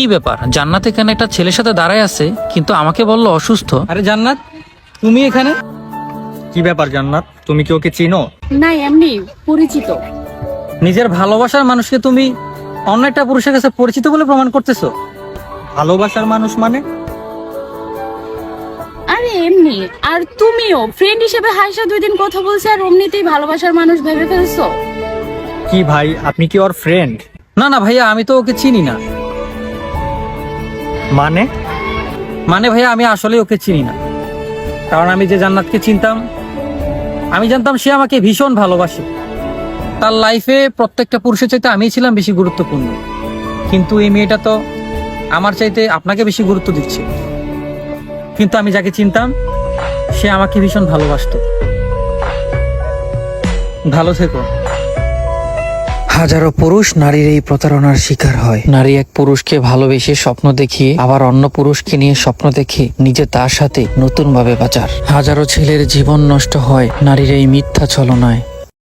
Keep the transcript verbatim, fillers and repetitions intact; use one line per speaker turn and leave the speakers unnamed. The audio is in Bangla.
কি ব্যাপার, জান্নাত এখানে একটা ছেলের সাথে দাঁড়ায় আছে, কিন্তু আমাকে বললো অসুস্থ।
আরে জান্নাত, তুমি এখানে? কি ব্যাপার জান্নাত, তুমি কি ওকে চিনো?
না, এমনি পরিচিত।
নিজের ভালোবাসার মানুষকে তুমি অন্য একটা পুরুষের কাছে পরিচিত বলে প্রমাণ করতেছো? ভালোবাসার মানুষ মানে?
আরে এমনি। আর তুমিও ফ্রেন্ড হিসেবে হাসা দুই দিন কথা বলছে আর অমনিতেই ভালোবাসার মানুষ ভেবে ফেলছো।
কি ভাই, আপনি কি ওর ফ্রেন্ড?
না না ভাইয়া, আমি তো ওকে চিনি না।
মানে?
মানে ভাইয়া, আমি আসলে ওকে চিনি না। কারণ আমি যে জান্নাতকে চিনতাম, আমি জানতাম সে আমাকে ভীষণ ভালোবাসে। তার লাইফে প্রত্যেকটা পুরুষের চাইতে আমিই ছিলাম বেশি গুরুত্বপূর্ণ। কিন্তু এই মেয়েটা তো আমার চাইতে আপনাকে বেশি গুরুত্ব দিচ্ছে। কিন্তু আমি যাকে চিনতাম সে আমাকে ভীষণ ভালোবাসতো। ভালো থেকো।
হাজারো পুরুষ নারীর এই প্রতারণার শিকার হয়। নারী এক পুরুষকে ভালোবেসে স্বপ্ন দেখিয়ে আবার অন্য পুরুষকে নিয়ে স্বপ্ন দেখে নিজে তার সাথে নতুন ভাবে বাঁচার। হাজারো ছেলের জীবন নষ্ট হয় নারীর এই মিথ্যা ছলনায়।